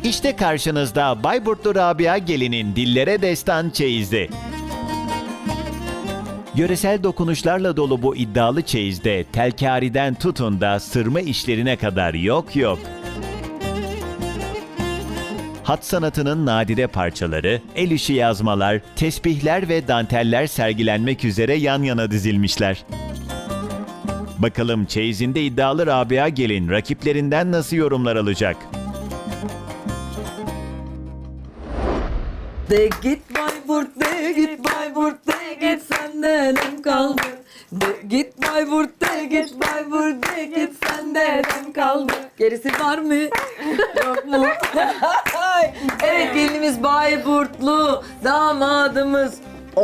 İşte karşınızda Bayburtlu Rabia Gelin'in dillere destan çeyizi. Yöresel dokunuşlarla dolu bu iddialı çeyizde telkariden tutun da sırma işlerine kadar yok yok. Hat sanatının nadide parçaları, el işi yazmalar, tesbihler ve danteller sergilenmek üzere yan yana dizilmişler. Bakalım çeyizinde iddialı Rabia Gelin rakiplerinden nasıl yorumlar alacak? De git Bayburt, de git Bayburt, de git senden hem kaldı. De git Bayburt, de git Bayburt, de git senden hem kaldı. Gerisi var mı? Yok mu? Evet, gelinimiz Bayburtlu, damadımız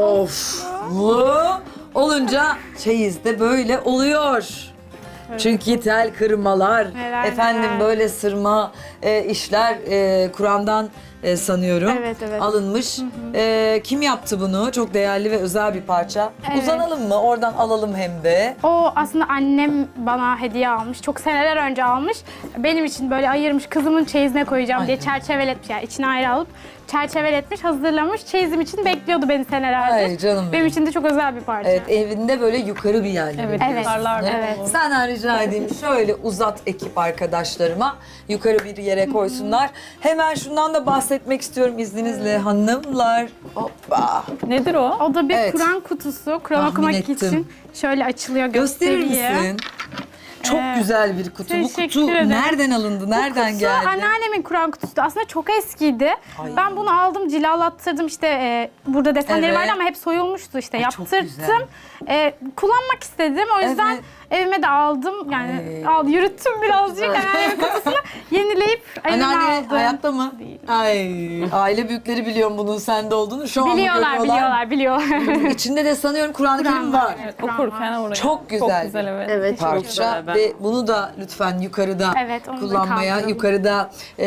oflu olunca çeyiz de böyle oluyor. Çünkü tel kırmalar, Neler, efendim neler. böyle sırma işler Kur'an'dan sanıyorum Evet, evet. alınmış. Kim yaptı bunu? Çok değerli ve özel bir parça. Evet. Uzanalım mı? Oradan alalım hem de. O aslında annem bana hediye almış. Çok seneler önce almış. Benim için böyle ayırmış, kızımın çeyizine koyacağım diye çerçeveletmiş. Yani içine ayrı alıp çerçeveletmiş, hazırlamış. Çeyizim için bekliyordu beni senelerdir. Ay canım benim. Benim için de çok özel bir parça. Evet, evinde böyle yukarı bir yerlerde. Evet, Evet, yukarılarda. evet. Senden rica edeyim şöyle uzat ekip arkadaşlarıma yukarı bir yere koysunlar. Hemen şundan da bahsetmek istiyorum izninizle hanımlar. Hoppa. Nedir o? O da bir Evet. Kur'an kutusu. Kur'an Tahmin okumak ettim. için şöyle açılıyor, Gösterir gösteriyor. misin? Çok güzel bir kutu. Bu teşekkür kutu ederim. nereden alındı? Nereden Kutusu geldi? anneannemin Kur'an kutusu. Aslında çok eskiydi. Ay. Ben bunu aldım, cilalattırdım. İşte burada desenleri Evet. vardı ama hep soyulmuştu işte. Ay, çok Yaptırttım. güzel. Kullanmak istedim. O yüzden Evet. evime de aldım. Yani yürüttüm birazcık. güzel. Anneannemin kutusunu yenileyip evime Anneanne aldım. hayatta mı? Değil. Ay, aile büyükleri biliyorum bunun sende olduğunu. Şu an Biliyorlar. İçinde de sanıyorum Kur'an-ı Kerim var. Evet, Okurken oraya. Çok güzel. Çok güzel, evet. Evet, çok Parça güzel. ve bunu da lütfen yukarıda Evet, onu da kullanmaya, kaldıralım. yukarıda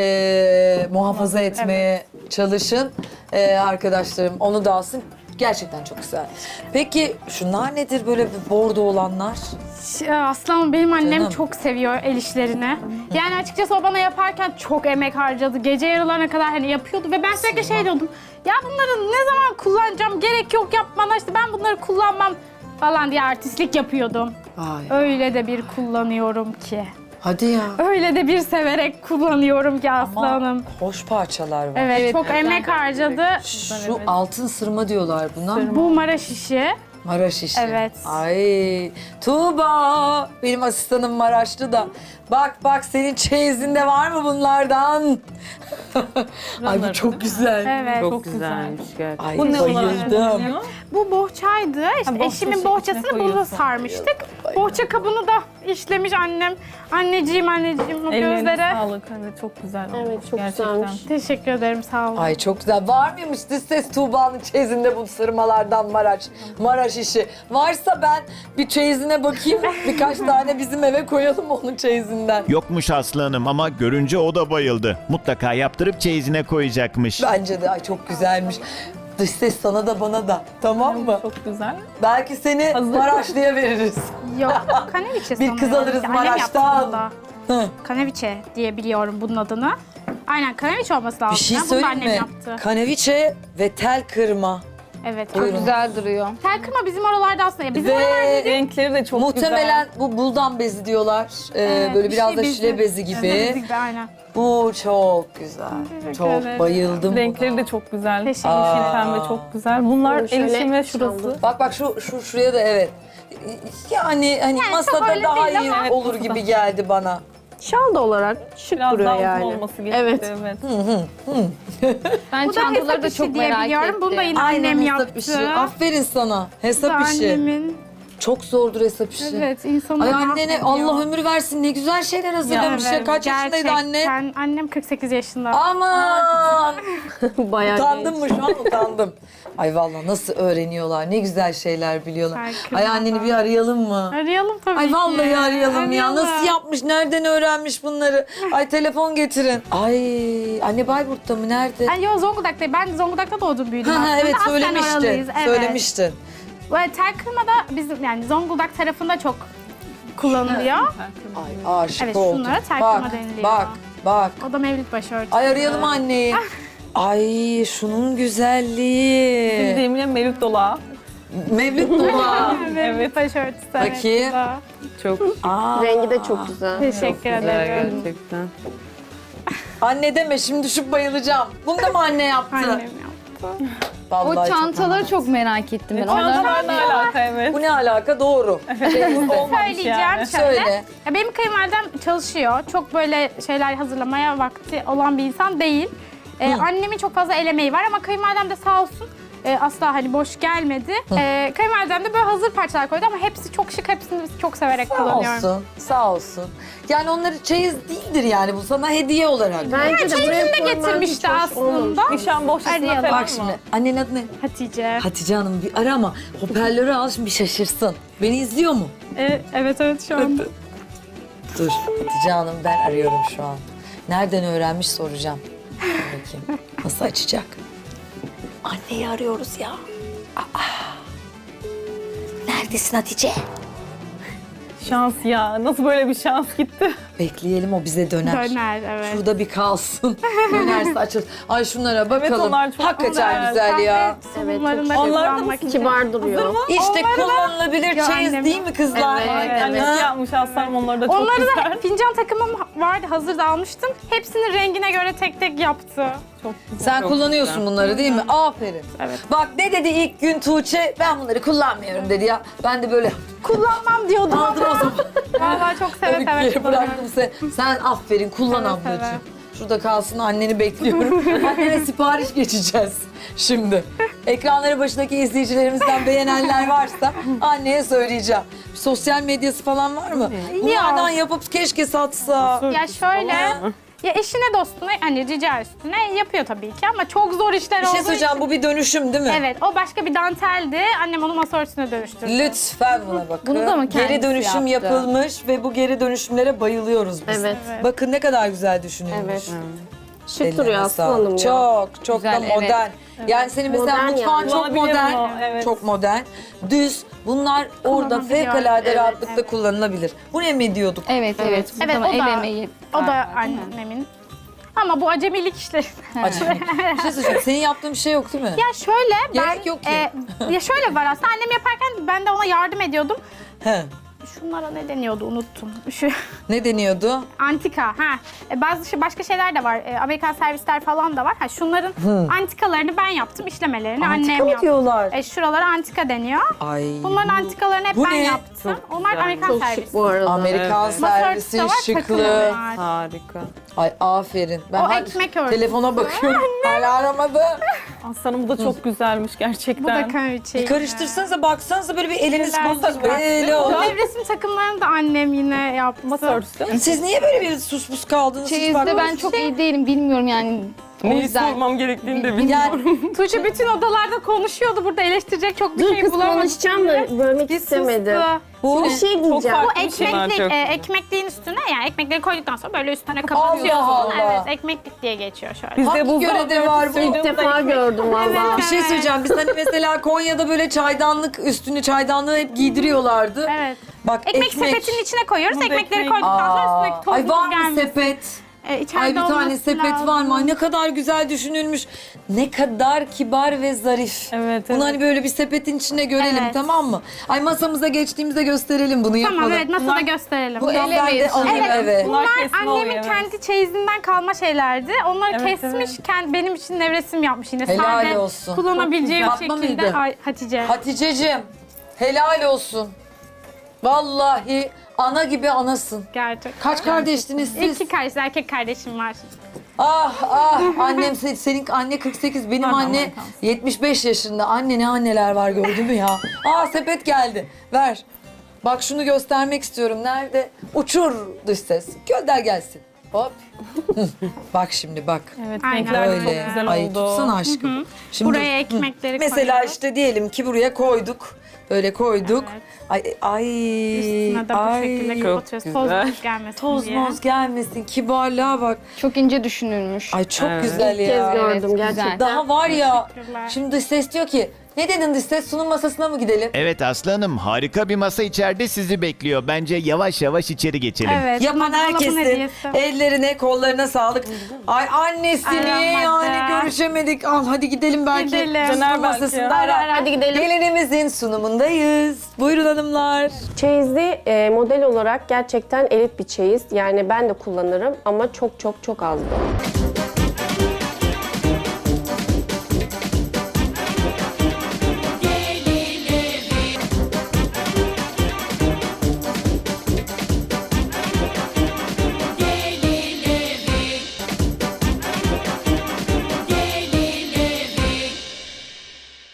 muhafaza etmeye çalışın arkadaşlarım. Onu da alsın. Gerçekten çok güzel. Peki şunlar nedir böyle bordo olanlar? Aslanım benim annem Canım. çok seviyor el işlerini. Yani açıkçası o bana yaparken çok emek harcadı. Gece yarılarına kadar hani yapıyordu ve ben sürekli şey diyordum. Ya bunları ne zaman kullanacağım? Gerek yok yapmana, işte ben bunları kullanmam falan diye artistlik yapıyordum. Ay, Öyle de bir kullanıyorum ki. hadi ya. Öyle de bir severek kullanıyorum ki Ama aslanım. hoş parçalar var. Evet, çok emek harcadı. Şu altın sırma diyorlar buna. Bu Maraş işi. Maraş işi. Evet. Ay Tuğba benim asistanım Maraşlı da. Bak senin çeyizinde var mı bunlardan? Ay bu çok güzel. Evet. Çok güzelmiş gerçekten. Ay Bu ne olarak bayıldım. kullanılıyor? Bu bohçaydı. İşte bohça eşimin içine bohçasını burada koyuyorsun. sarmıştık. Bohça kabını da işlemiş annem. Anneciğim o Ellerine gözlere. sağlık. Evet, çok güzel olmuş. Evet, çok gerçekten. güzelmiş. Teşekkür ederim, sağ olun. Ay çok güzel. Var mıymış dış ses Tuğba'nın çeyizinde bu sırmalardan Maraş işi? Varsa ben bir çeyizine bakayım. Birkaç tane bizim eve koyalım onun çeyizinden. Yokmuş Aslı Hanım ama görünce o da bayıldı. Mutlaka yaptırıp çeyizine koyacakmış. Bence de ay çok güzelmiş. Dış ses sana da bana da. Tamam mı? Çok güzel. Belki seni Hazır. Maraşlı'ya veririz. Yok, kaneviçe Bir kız sanıyorum. alırız Annem yaptı Maraş'tan. bunu da. Hı. Kaneviçe diye biliyorum bunun adını. Aynen, kaneviçe olması lazım. Bir şey ya. Bunu da söyleyeyim annem mi? yaptı. Kaneviçe ve tel kırma. Evet. Buyurun. Güzel duruyor. Tel kırma bizim oralarda aslında. Ya bizim Ve oralarda Renkleri de çok muhtemelen bu buldan bezi diyorlar. Böyle bir biraz şey da bezi. şile bezi gibi. Bezi gibi, aynen. Bu çok güzel. Teşekkür Çok ederim. bayıldım güzel. Renkleri buna. de çok güzel. Teşekkür Yeşil pembe çok güzel. Bunlar Bunu şöyle el işi ve şurası. çaldım. Bak şuraya da evet. Yani çok masada öyle daha değil iyi ama- olur Evet, gibi masada. geldi bana. Şal da olarak şık Biraz duruyor daha uzun yani. olması gerekiyor. Evet. Evet. Ben Bu da çantaları hesap da işi çok diye merak biliyorum. ettim. Bunu da yine Aynen annem hesap yaptı. işi. Aferin sana. Bu da Hesap işi. annemin. Çok zordur hesap işi. Evet, insanın Ay annene mahvediyor. Allah ömür versin ne güzel şeyler hazırlamış ya. Evet, Kaç yaşındaydı anne? gerçekten. Annem 48 yaşında. Aman! Bayağı Utandım genç. mı şu an utandım. Ay vallahi nasıl öğreniyorlar. Ne güzel şeyler biliyorlar. Farkında. Ay anneni bir arayalım mı? Arayalım tabii Ay ki. vallahi arayalım ya. Arayalım. Nasıl yapmış? Nereden öğrenmiş bunları? Ay telefon getirin. Ay anne Bayburt'ta mı? Nerede? Ay yo, Zonguldak'tayım. Ben Zonguldak'ta doğdum, büyüdüm Ha, aslında. evet Aslen söylemiştin. oralıyız, evet. Söylemiştin. Böyle tel kırma da bizim yani Zonguldak tarafında çok kullanılıyor. Ay aşık Evet, oldum. şunlara tel Bak, kırma deniliyor. bak. Bak. O da Mevlüt başörtüsü. Ay arayalım anneyi. Ay şunun güzelliği. Demine Mevlüt Dola. Mevlüt Dola. Mevlüt başörtüsü. Bakayım. Evet, bu da. Çok. Aa, Rengi de çok güzel. Teşekkür ederim. Gerçekten. anne deme şimdi düşüp bayılacağım. Bunu da mı anne yaptı? Annem yaptı. Vallahi O çok çantaları çok merak ettim ben. Çantalar ne alaka evet. Bu ne alaka? Doğru. Söyleyeceğim yani. şöyle. Söyle. Ya benim kayınvalidem çalışıyor. Çok böyle şeyler hazırlamaya vakti olan bir insan değil. Annemin çok fazla el emeği var ama kayınvalidem de sağ olsun asla hani boş gelmedi. Kayınvalidem de böyle hazır parçalar koydu ama hepsi çok şık. Hepsini çok severek Sağ kullanıyorum. olsun. Sağ olsun. Yani onları çeyiz değildir yani bu sana hediye olarak. Bence de buraya Çeyizini de koyman getirmişti hiç hoş olmamış. aslında. Nişan bohçasına Arayalım. falan Bak mı? şimdi annenin adı ne? Hatice. Hatice Hanım bir ara ama hoparlörü al şimdi bir şaşırsın. Beni izliyor mu? Evet şu an. Dur Hatice Hanım ben arıyorum şu an. Nereden öğrenmiş soracağım. Dur bakayım. Nasıl açacak? Anneyi arıyoruz ya. Aa. Neredesin Hatice? Şans ya. Nasıl böyle bir şans gitti? Bekleyelim o bize döner. Döner evet. Şurada bir kalsın. Dönerse açıl. Ay şunlara bakalım. onlar çok Hakikaten güzel. güzel ya. Evet, Bunların da Onlar da kullanmak için. Kibar duruyor. İşte kullanılabilir Ya çeyiz annem- değil mi kızlar? Evet, Annesi Ha? yapmış aslanım onları da çok Onları güzel. da fincan takımım vardı hazır da almıştım. Hepsini rengine göre tek tek yaptı. Çok güzel. Sen kullanıyorsun bunları değil mi? Aferin. Evet. Bak ne dedi ilk gün Tuğçe? Ben bunları kullanmıyorum dedi ya. Ben de böyle Kullanmam diyordum. aldım o zaman. Vallahi çok seve Bir seve yere kullanıyorum. bıraktım seni. Sen aferin kullan Seve ablacığım. seve. Şurada kalsın anneni bekliyorum. Annene sipariş geçeceğiz şimdi. Ekranları başındaki izleyicilerimizden beğenenler varsa anneye söyleyeceğim. Sosyal medyası falan var mı? Bunlardan yapıp keşke satsa. Ya şöyle, ya eşine dostuna hani rica üstüne yapıyor tabii ki ama çok zor işler Bir şey olduğu söyleyeceğim için. bu bir dönüşüm değil mi? Evet, o başka bir danteldi. Annem onu masa örtüsüne dönüştürdü. Lütfen buna bakın. Bunu da mı Geri kendisi dönüşüm yaptı? yapılmış ve bu geri dönüşümlere bayılıyoruz biz. Evet. Bakın ne kadar güzel düşünülmüş. Evet. Şık Ellerine duruyor sağlık. aslanım ya. Çok Güzel, da evet. modern. Yani senin mesela Modern mutfağın yani. çok Kullanabiliyor modern. mu? Evet. Çok modern. Düz. Bunlar orada Kullanabiliyor. fevkalade Evet, rahatlıkla evet. kullanılabilir. Bu ne mi diyorduk? Evet. Evet, Bu o zaman el da, emeği o var da zaten. annemin. Ama bu acemilik işleri. Acayip. Bir şey söyleyeceğim. Senin yaptığın bir şey yok değil mi? Ya şöyle ben Gerek yok ki. ya şöyle var aslında annem yaparken ben de ona yardım ediyordum. He. Şunlara ne deniyordu unuttum. Şu Ne deniyordu? antika ha. Başka şeyler de var. Amerikan servisler falan da var. Ha şunların antikalarını ben yaptım, işlemelerini Antika annem mı yaptı. diyorlar? Şuralara antika deniyor. Ay. Bunların antikalarını hep Bu ben ne? yaptım. Onlar Amerikan Çok servis. şık bu arada. Amerikan Masa örtüsü servisi de var, şıklığı. takımı var. Harika. Ay aferin. Ben O hala ekmek örtüsü. telefona bakıyorum. Hala aramadı. Aslanım bu da çok güzelmiş gerçekten. Bu da kraliçe. Bir karıştırsanıza baksanıza böyle bir eliniz Güzel. bozuk. Böyle O oldu. nevresim takımlarını da annem yine yaptı. Masa örtüsü değil mi? Siz niye böyle bir sus pus kaldınız? Hiç Çeyizde ben bakmadınız. çok iyi değilim bilmiyorum yani. O Neyi yüzden sormam gerektiğini de bilmiyorum. Yani Tuğçe bütün odalarda konuşuyordu. Burada eleştirecek çok bir Dur şey kız bulamadım. konuşacağım da bölmek istemedim. Sustu. bu Bir şey diyeceğim. farklı. Bu Bir şey var, ekmeklik, çok güzel. ekmekliğin üstüne yani ekmekleri koyduktan sonra böyle üstüne kapatıyorsun. Allah Allah. Evet, ekmeklik diye geçiyor şöyle. Bizde hangi buzdolabı görevde var bu? İlk defa gördüm valla. Bir şey söyleyeceğim. Biz hani mesela Konya'da böyle çaydanlık üstünü çaydanlığı hep giydiriyorlardı. Evet. Bak Ekmek sepetinin içine koyuyoruz. Burada Ekmekleri ekmek- koyduktan sonra üstündeki Ay var tozumuz mı gelmesin. sepet? İçeride Ay bir tane olması sepet lazım. var mı? Ay ne kadar güzel düşünülmüş. Ne kadar kibar ve zarif. Evet, Bunu evet. hani böyle bir sepetin içine görelim Evet. tamam mı? Ay masamıza geçtiğimizde gösterelim bunu yapalım. Tamam evet masada Bunlar- gösterelim. Bu el ben de emeği. alayım Evet, eve. Bunlar Bunlar kesme annemin oluyor, evet. kendi çeyizinden kalma şeylerdi. Onları Evet, kesmiş, evet. benim için nevresim yapmış yine. Helal Sade olsun. kullanabileceğim Çok güzel. şekilde. Fatma mıydı? Ay, Hatice. Haticeciğim helal olsun. Vallahi ana gibi anasın. Gerçekten. Kaç kardeştiniz siz? İki kardeş, erkek kardeşim var. Ah annem senin anne 48 benim anne 75 yaşında. Anne ne anneler var gördün mü ya? Sepet geldi. Ver. Bak şunu göstermek istiyorum. Nerede? Uçur dış ses. Gönder gelsin. Hop. Hı. Bak şimdi bak. Evet Aynen. renkler de çok Öyle. güzel Ay oldu. tutsana aşkım. Şimdi Buraya ekmekleri mesela koyuyoruz. işte diyelim ki buraya koyduk. Böyle koyduk. Evet. Ay Üstüne de bu şekilde kapatıyoruz. Toz güzel. moz gelmesin Toz diye. moz gelmesin. Kibarlığa bak. çok ince düşünülmüş. Ay çok Evet. güzel İlk ya. kez gördüm Evet, güzel. gerçekten. Daha var ya. Teşekkürler. Şimdi dış ses diyor ki Ne dedin dış ses? Sunum masasına mı gidelim? Evet Aslı Hanım, harika bir masa içeride sizi bekliyor. Bence yavaş yavaş içeri geçelim. Evet. Yapan bunlar dolabın herkesin hediyesi. ellerine, kollarına sağlık. Ay annesi Ay, niye rahmetli. yani görüşemedik. Al hadi gidelim belki. Gidelim. Sunum Döner belki. masasında. Hadi gidelim. Gelinimizin sunumundayız. Buyurun hanımlar. Çeyizli model olarak gerçekten elit bir çeyiz. Yani ben de kullanırım ama çok çok çok az bu.